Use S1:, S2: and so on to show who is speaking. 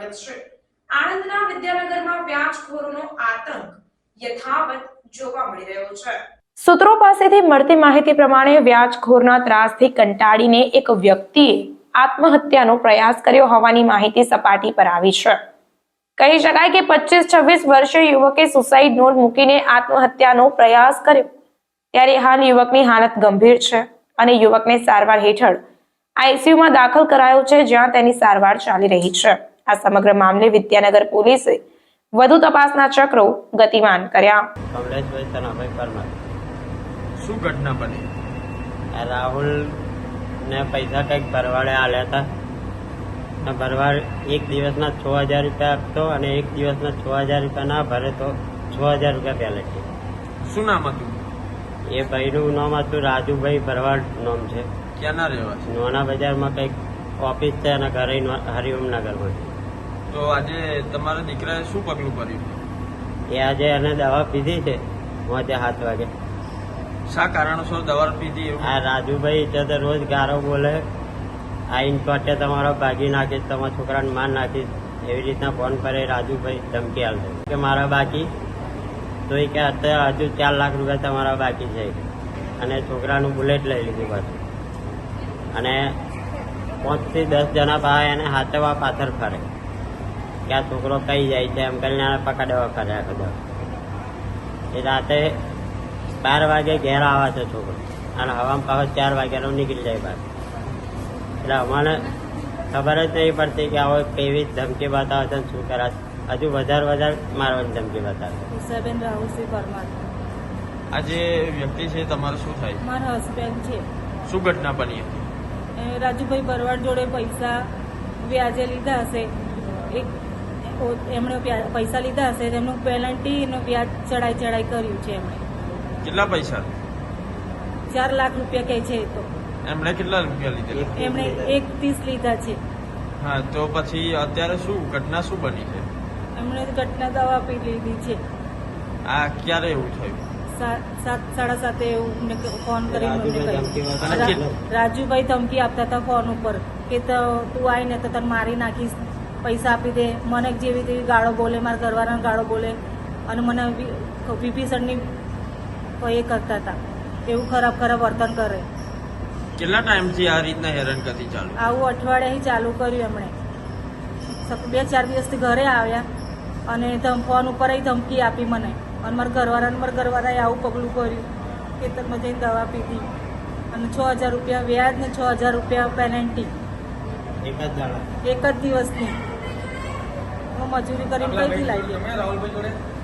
S1: રહ્યો છે। આણંદના વિદ્યાનગરમાં વ્યાજખોરોનો આતંક યથાવત જોવા મળી રહ્યો છે। સૂત્રો પાસેથી મળતી માહિતી પ્રમાણે વ્યાજખોરના ત્રાસથી કંટાળીને એક વ્યક્તિએ આત્મહત્યાનો પ્રયાસ કર્યો હોવાની માહિતી સપાટી પર આવી છે। કહી શકાય કે 25-26 વર્ષીય યુવકે સુસાઇડ નોટ મૂકીને આત્મહત્યાનો પ્રયાસ કર્યો। ત્યારે હાલ યુવકની હાલત ગંભીર છે અને યુવકને સારવાર હેઠળ આઈસીયુમાં દાખલ કરાયો છે, જ્યાં તેની સારવાર ચાલી રહી છે। આ સમગ્ર મામલે વિદ્યાનગર પોલીસે વધુ તપાસના ચક્રો ગતિમાન કર્યા।
S2: શું ઘટના બની?
S3: રાહુલ ને પૈસા કંઈક ભરવાડે આલ્યા હતા। ભરવાડ એક દિવસના 6000 રૂપિયા આપતો અને એક દિવસના 6000 રૂપિયા ના ભરે તો 6000 રૂપિયા પેલેટી।
S2: શું નામ હતું?
S3: એ ભાઈનું નામ હતું રાજુભાઈ ભરવાડ નામ છે।
S2: ક્યાંના રહેવાસી?
S3: નોના બજારમાં કંઈક ઓફિસ છે અને ઘરે હરિઓમનગરમાં।
S2: તો આજે તમારા દીકરાએ શું પગલું ભર્યું?
S3: એ આજે એને દવા પીધી છે મોજે 7 વાગે।
S2: શા કારણોસર દવા પીધી એવું?
S3: આ રાજુભાઈ છે તો રોજ ગારો બોલે, આ ઇન્કોટે તમારો ભાગી નાખીશ, તમારા છોકરાને માર નાખીશ, એવી રીતના ફોન કરે રાજુભાઈ ધમકી આલતો કે મારા બાકી તો એ કે અત્યારે હજુ 4 લાખ રૂપિયા તમારા બાકી છે અને છોકરાનું બુલેટ લઈ લીધું પાછું અને 5 થી 10 જણા પાસે એને હાથવા પાછળ ફરે કે આ છોકરો કઈ જાય છે એમ કરીને પકડવા ફર્યા બધા। એ રાતે 12 વાગે ઘેર આવે છે છોકરો અને હવામાં પાછો 4 વાગ્યાનો નીકળી જાય બહાર। એટલે અમને ખબર જ નહીં પડતી કે આવો કેવી ધમકી બતાવે છે, શું કરાશે, હજુ વધારે મારવાની ધમકી બતાવે।
S2: આ જે વ્યક્તિ છે તમારે શું થાય?
S4: મારા હસબન્ડ છે।
S2: શું ઘટના બની હતી?
S4: રાજુભાઈ ભરવાડ જોડે પૈસા વ્યાજે લીધા હશે, એમણે પૈસા લીધા હશે, તેમનું પેનલ્ટી નું વ્યાજ ચડાઈ કર્યું છે એમણે।
S2: કેટલા પૈસા?
S4: 4 લાખ રૂપિયા કહે છે। તો
S2: એમણે કેટલા રૂપિયા લીધેલા?
S4: એમણે 1.30 લીધા છે।
S2: હા, તો પછી અત્યારે શું ઘટના શું બની છે?
S4: એમણે ઘટના દવા પી લીધી છે।
S2: આ ક્યારે એવું થયું?
S4: 7:30 એવું ફોન કરીને રાજુભાઈ ધમકી આપતા હતા ફોન ઉપર કે તું આવીને તો તને મારી નાખીશ, પૈસા આપી દે, મને જેવી તેવી ગાળો બોલે, મારા ઘરવાળાને ગાળો બોલે અને મને વિભીષણની એ કરતા હતા, એવું ખરાબ વર્તન કરે।
S2: કેટલા ટાઈમથી આ રીતના હેરાનગતિ ચાલુ?
S4: આવું અઠવાડિયાથી ચાલુ કર્યું એમણે। 2-4 દિવસથી ઘરે આવ્યા અને ફોન ઉપર ધમકી આપી મને અને મારા ઘરવાળાએ આવું પગલું ભર્યું કે તમે જઈને દવા પીધી અને 6000 રૂપિયા વ્યાજ ને 6000 રૂપિયા પેનલ્ટી એક જ દિવસની। હું મજૂરી કરીને કઈથી લાવી?